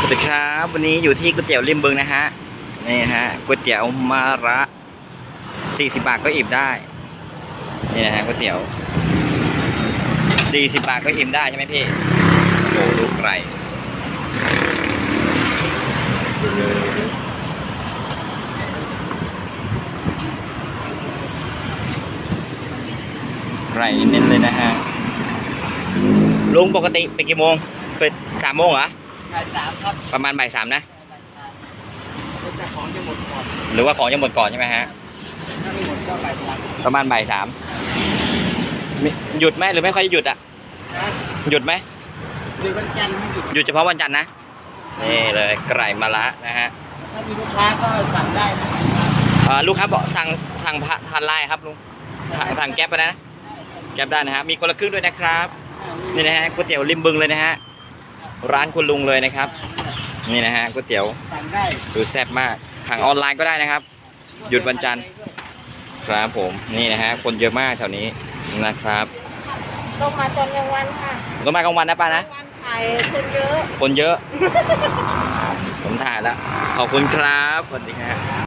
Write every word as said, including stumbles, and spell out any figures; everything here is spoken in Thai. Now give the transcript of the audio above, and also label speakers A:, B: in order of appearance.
A: สวัสดีครับวันนี้อยู่ที่ก๋วยเตี๋ยวริมบึงนะฮะนี่ฮะก๋วยเตี๋ยวมาระสี่สิบบาทก็อิ่มได้นี่นะฮะก๋วยเตี๋ยวสี่สิบบาทก็อิ่มได้ใช่ไหมพี่โอ้ดูไก่ไก่เน้นเลยนะฮะลุงปกติไปกี่โมงเปิดสามโมงเหรอ
B: บ่ายสามครับ
A: ประมาณบ่ายสามนะ
B: แต่ของจะหมดก่อน
A: หรือว่าของจะหมดก่อนใช่ไหมฮะ
B: ถ้าไม่หมดก็บ่ายสาม
A: ประมาณบ่ายสามหยุดไหมหรือไม่ค่อยหยุดอ่ะหยุดไหม
B: หรือวันจันทร์ไม่หยุด
A: หยุดเฉพาะวันจันทร์นะนี่เลยไก่มะระนะฮะ
B: ถ้ามีลูกค้าก็สั่งได้
A: นะลูกค้าบอกสั่งสั่งทานไลน์ครับลุงสั่งแก๊ปไปนะแก๊ปได้นะฮะมีคนละครึ่งด้วยนะครับนี่นะฮะก๋วยเตี๋ยวริมบึงเลยนะฮะร้านคุณลุงเลยนะครับนี่นะฮะก๋วยเตี๋ยว
B: สั่งได้
A: ดูแซ่บมากทางออนไลน์ก็ได้นะครับหยุดวันจันทร์ครับผมนี่นะฮะคนเยอะมากแถวนี้นะครับ
C: ลงมาตอนกลางวันค่ะ
A: ลงมากลางวันนะป้านะ
C: ถ่ายคนเยอะ
A: คนเยอะผมถ่ายแล้วขอบคุณครับสวัสดีครับ